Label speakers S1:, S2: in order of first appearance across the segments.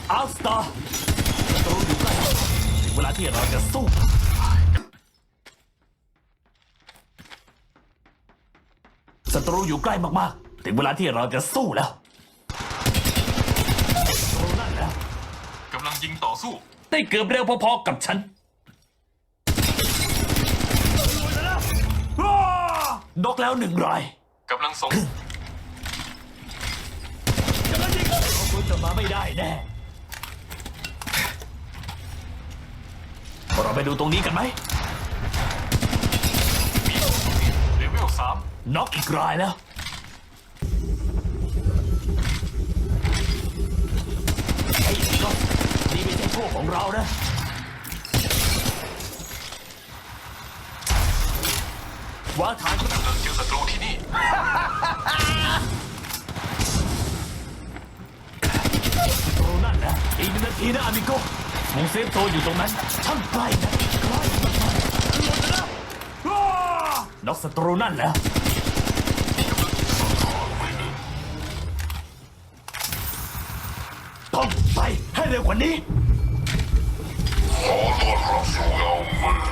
S1: อัลสตาร์ศัตรูอยู่ใกล้ถึงเวลาที่เราจะสู้ศัตรูอยู่ใกล้มากๆถึงเวลาที่เราจะสู้แล้วศัตรูนั่นแล้ว
S2: กำลังยิงต่อสู้
S1: ได้เกือบเร็วพอๆกับฉันนกแล้ว1 ราย
S2: กำลังส่ง
S1: กำลังยิงเราควรจะมาไม่ได้แน่เราไปดูตรงนี้กันไหม
S2: เลเวล
S1: น็อกอีกรายแล้วไอ้ก็นี่ไม่ใช่พวกของเรานะวางฐาน
S2: กำลังเจอศัตรูที่นี่
S1: ศัตรูนั่นนะอีก1 นาทีนะอามิโกวงเซฟโซนอยู่ตรงนั้นช่างใกล้นะใกล้มากๆหลุดแล้วน็อกศัตรูนั่นแล้วต้องไปให้เร็วกว่านี้
S3: ขอต้อนรับสู่เงามืด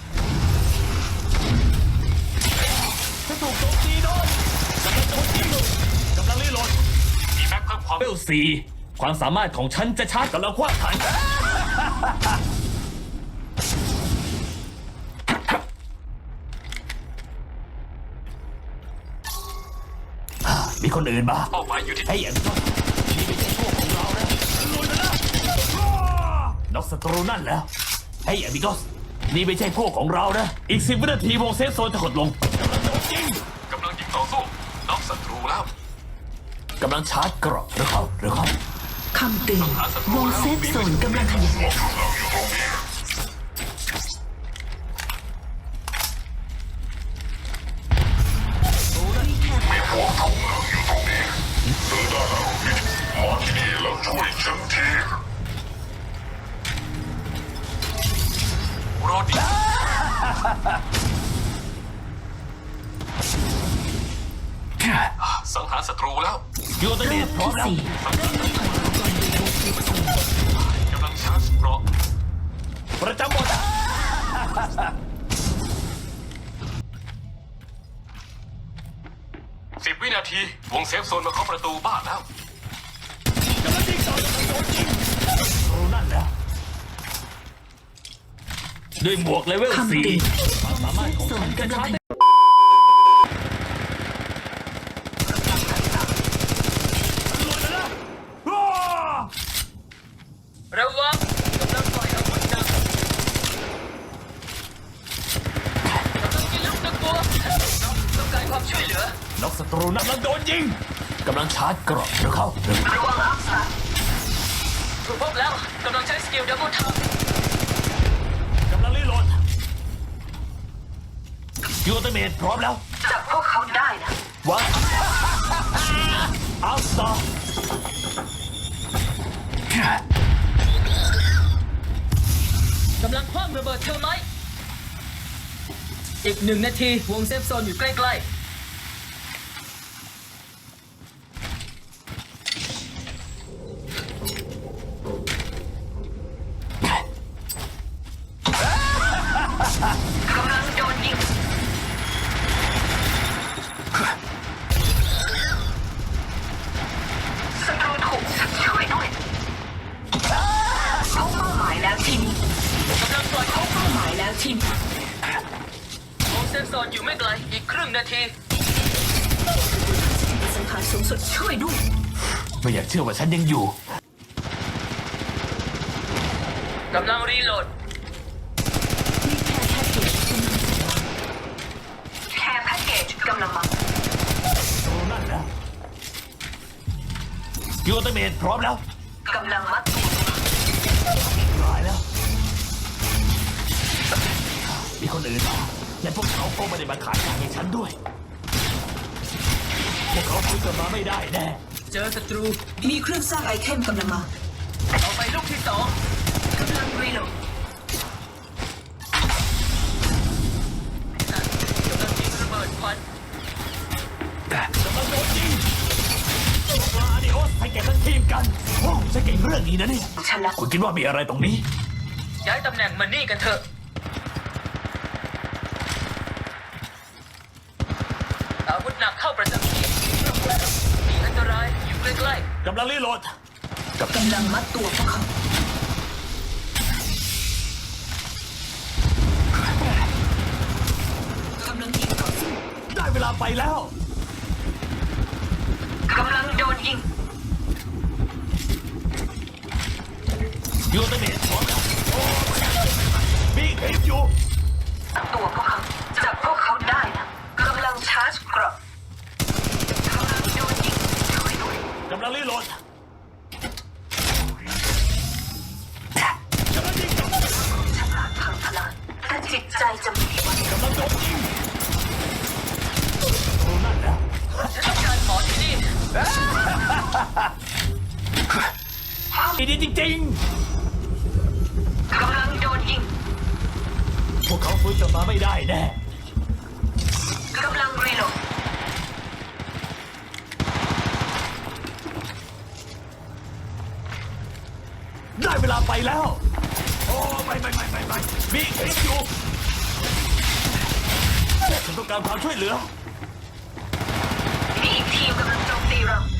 S1: ฉันถูกโจมตีโดนกำลังโจมตีกำลังรีโหลด
S2: มีแม็กเพิ่มความ
S1: เวล4ความสามารถของฉันจะชาร์จกำลังคว้าฐานมีคนอื่นบ้า
S2: เป้าหมายอยู่ที่
S1: ไอ้อย่างก็นี่ไม่ใช่พวกของเรานะลุยนะน็อกศัตรูนั่นแล้วไอ้อย่างมิโกสนี่ไม่ใช่พวกของเรานะอีก10 วินาทีวงเซฟโซนจะหดลงกำลังโดนยิง
S2: ต่อสู้น็อกศัตรูแล้ว
S1: กำลังชาร์จกรอบหรือเขา
S4: คำเตือนวงเซฟโซนกำลังขยาย
S3: มีพวกถูกขังอยู่ตรงนี้หรือด้านหลังนี้มาที่นี่แล้วช่วยฉันที
S2: รอดีสังหารศัตรูแล้ว
S1: ยูเตอร์เนตพร้อมแล้ว
S2: กำลังชาร์จเกราะ
S1: ประจำหมด
S2: 10 วินาทีวงเซฟโซนมาเคาะประตูบ้านแล้ว
S1: กำลังยิงต่อกำลังโดนยิงโอ้นั่นแหละด้วยหมวกเลเวล4ความสามารถของฉันจะชาร์จ
S5: ระวังกำลังปล่อยอาวุธหนักกำลังยิงลูกตะกัวต้องการความช่วยเหลือ
S1: น็อกศัตรูนั่นกำลังโดนยิงกำลังชาร์จกรอบหรือเขา
S5: ระวังอัพสารถูกพบแล้วกำลังใช้สกิลดับเบิลทับ
S1: กำลังรีโหลดยูเตอร์เมทพร้อมแล้ว
S5: จับพวกเขาได้นะ
S1: วางอัลสตาร์
S5: กำลังคว้างระเบิดเทอร์ไมท์อีก1 นาทีวงเซฟโซนอยู่ใกล้ๆกำลังโดนยิงศัตรูถูกช่วยด้วยเขาเป้าหมายแล้วทีมกำลังปล่อยเขาเป้าหมายแล้วทีมวงเซฟโซนอยู่ไม่ไกลอีกครึ่งนาทีสังหารสูงสุดช่วยด้วย
S1: ไม่อยากเชื่อว่าฉันยังอยู่
S5: กำลังรีโหลดแค่แพ็กเกจกำลังมา
S1: โอ้นั่นนะยูเตอร์เมทพร้อมแล้ว
S5: กำลังมัด
S1: ร้ายแล้วมีคนอื่นและพวกเขาก็ไม่ได้มาขายให้ฉันด้วยพวกเขาคุยกันมาไม่ได้แน่
S5: เจอศัตรู
S4: มีเครื่องสร้างไอเทมกำลังมา
S5: เอาไปลูกที่2กำลังรีโหลดกำลังยิงระเบิดควัน
S1: กำลังโดนยิงมาดิโอสให้แกทั้งทีมกันโอ้ฉันเก่งเรื่องนี้นะเนี่ย
S4: ฉันละ
S1: คุณคิดว่ามีอะไรตรงนี้
S5: ย้ายตำแหน่งมานี่กันเถอะอาวุธหนักเข้าประจำที่มีอันตรายอยู่ใกล้
S1: กำลังรีโหลด
S4: กำลังมัดตัวพวกเขากำลังยิงต่อสู้
S1: ได้เวลาไปแล้ว
S4: กำลังโดนยิง
S1: ยูเตเมทพร้อมแล้วโอ้มีคลิปอยู่
S4: ตัวพวกเขาจับพวกเขาได้นะกำลังชาร์จเกราะกำลังโดนยิงช่วยด้วย
S1: กำลังรีโหลด
S4: ฉลาดพังพลานแต่จิตใจจะมีวัน
S1: กำลังโดนยิงโอ้นั่นแล้ว
S5: ๆฉันต้องการหมอที่นี่
S1: ดีจริง
S4: กำลังโดนยิง
S1: ๆ พวกเขาฟื้นกลับมาไม่ได้แน่
S4: กำลังรีโหลด
S1: ได้เวลาไปแล้ว โอ้ไม่มีคลิปอยู่ฉันต้องการความช่วยเหลือ
S4: มีอีกทีมกำลังโจมตีเรา